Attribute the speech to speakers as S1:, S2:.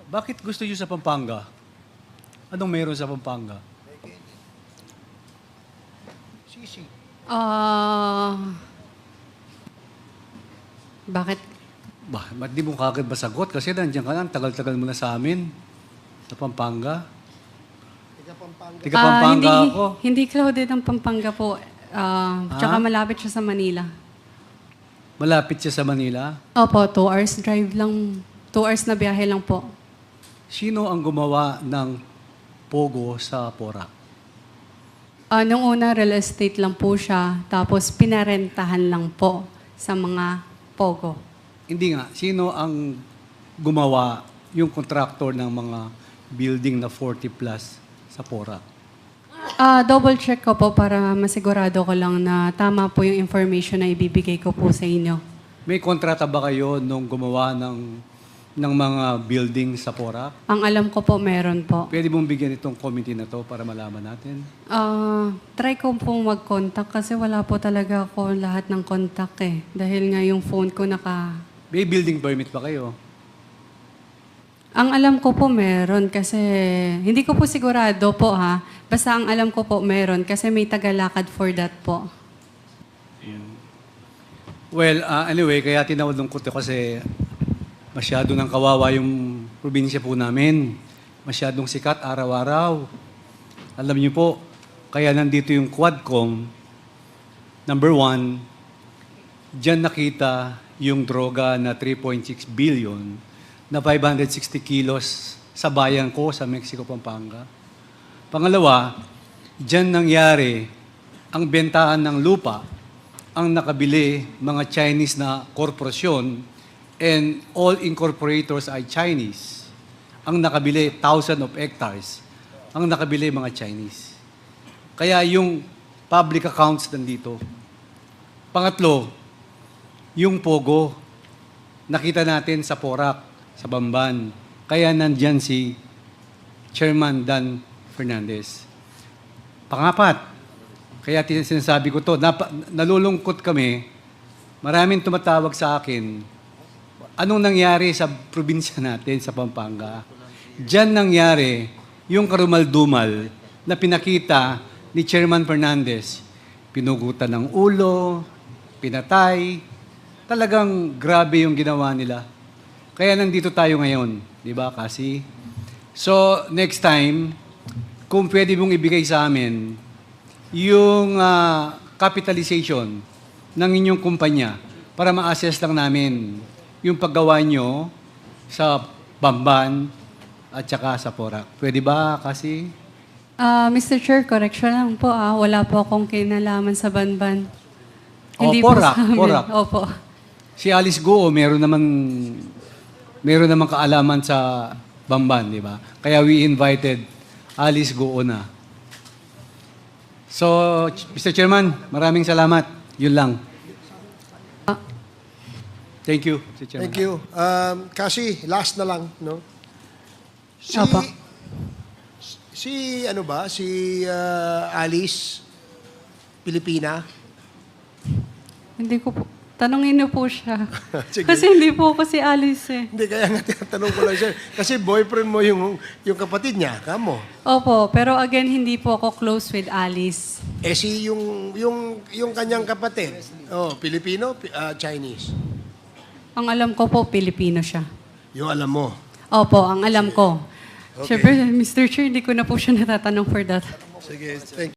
S1: Bakit gusto niyo sa Pampanga? Anong meron sa Pampanga?
S2: Sisi.
S3: Bakit?
S1: Ba't di mo kagad masagot? Kasi nandiyan ka na, ang tagal-tagal mo na sa amin. Sa Pampanga.
S2: Taga Pampanga.
S1: Tiga Pampanga
S3: hindi,
S1: ako.
S3: Hindi crowded ang Pampanga po. Tsaka malapit siya sa Manila.
S1: Malapit siya sa Manila.
S3: Opo, 2 hours drive lang. 2 hours na biyahe lang po.
S1: Sino ang gumawa ng Pogo sa Porac?
S3: Nung una, real estate lang po siya. Tapos pinarentahan lang po sa mga Pogo.
S1: Hindi nga. Sino ang gumawa yung contractor ng mga building na 40 plus sa Porac?
S3: Double check ko po para masigurado ko lang na tama po yung information na ibibigay ko po sa inyo.
S1: May kontrata ba kayo nung gumawa ng mga building sa Porac?
S3: Ang alam ko po, meron po.
S1: Pwede mong bigyan itong committee na to para malaman natin?
S3: Try ko pong mag-contact kasi wala po talaga ako lahat ng contact eh. Dahil nga yung phone ko
S1: May building permit ba kayo?
S3: Ang alam ko po meron kasi, hindi ko po sigurado po ha. Basta ang alam ko po meron kasi may tagalakad for that po.
S1: Well, anyway, kaya tinawag ko to kasi masyado nang kawawa yung probinsya po namin. Masyadong sikat araw-araw. Alam niyo po, kaya nandito yung Quadcom. Number 1, diyan nakita yung droga na 3.6 billion na 560 kilos sa bayan ko sa Mexico, Pampanga. Pangalawa, diyan nangyari ang bentahan ng lupa, ang nakabili mga Chinese na korporasyon and all incorporators ay Chinese. Ang nakabili, thousands of hectares. Ang nakabili, mga Chinese. Kaya yung public accounts nandito. Pangatlo, yung Pogo, nakita natin sa Porac, sa Bamban. Kaya nandyan si Chairman Dan Fernandez. Pangapat, kaya sinasabi ko to, nalulungkot kami, maraming tumatawag sa akin, anong nangyari sa probinsya natin, sa Pampanga? Diyan nangyari yung karumal-dumal na pinakita ni Chairman Fernandez. Pinugutan ng ulo, pinatay. Talagang grabe yung ginawa nila. Kaya nandito tayo ngayon. Di ba, kasi? So, next time, kung pwede mong ibigay sa amin yung capitalization ng inyong kumpanya para ma-assess lang namin yung paggawa nyo sa Bamban at saka sa Porac. Pwede ba, kasi?
S3: Mr. Chair, correction lang po wala po akong kinalaman sa Banban.
S1: Porac,
S3: po sa amin.
S1: Porac.
S3: Opo.
S1: Si Alice Goo, meron naman kaalaman sa Bamban, di ba? Kaya we invited Alice Goo na. So, Mr. Chairman, maraming salamat. Yun lang. Thank you, Mr. Chairman.
S2: Thank you. Kasi, last na lang, no?
S3: Opo.
S2: Si Alice, Pilipina.
S3: Hindi ko po. Tanungin niyo po siya.
S2: Sige.
S3: Kasi hindi po ako si Alice eh.
S2: Hindi, kaya nga tinatanong ko lang siya. Kasi boyfriend mo yung kapatid niya, kamo.
S3: Opo, pero again, hindi po ako close with Alice.
S2: Yung kanyang kapatid, Pilipino, Chinese.
S3: Ang alam ko po, Pilipino siya.
S2: Yung alam mo.
S3: Opo, ang alam ko.
S2: Okay.
S3: Siyempre, Mr. Chair, hindi ko na po siya natatanong for that.
S2: Sige, thank you.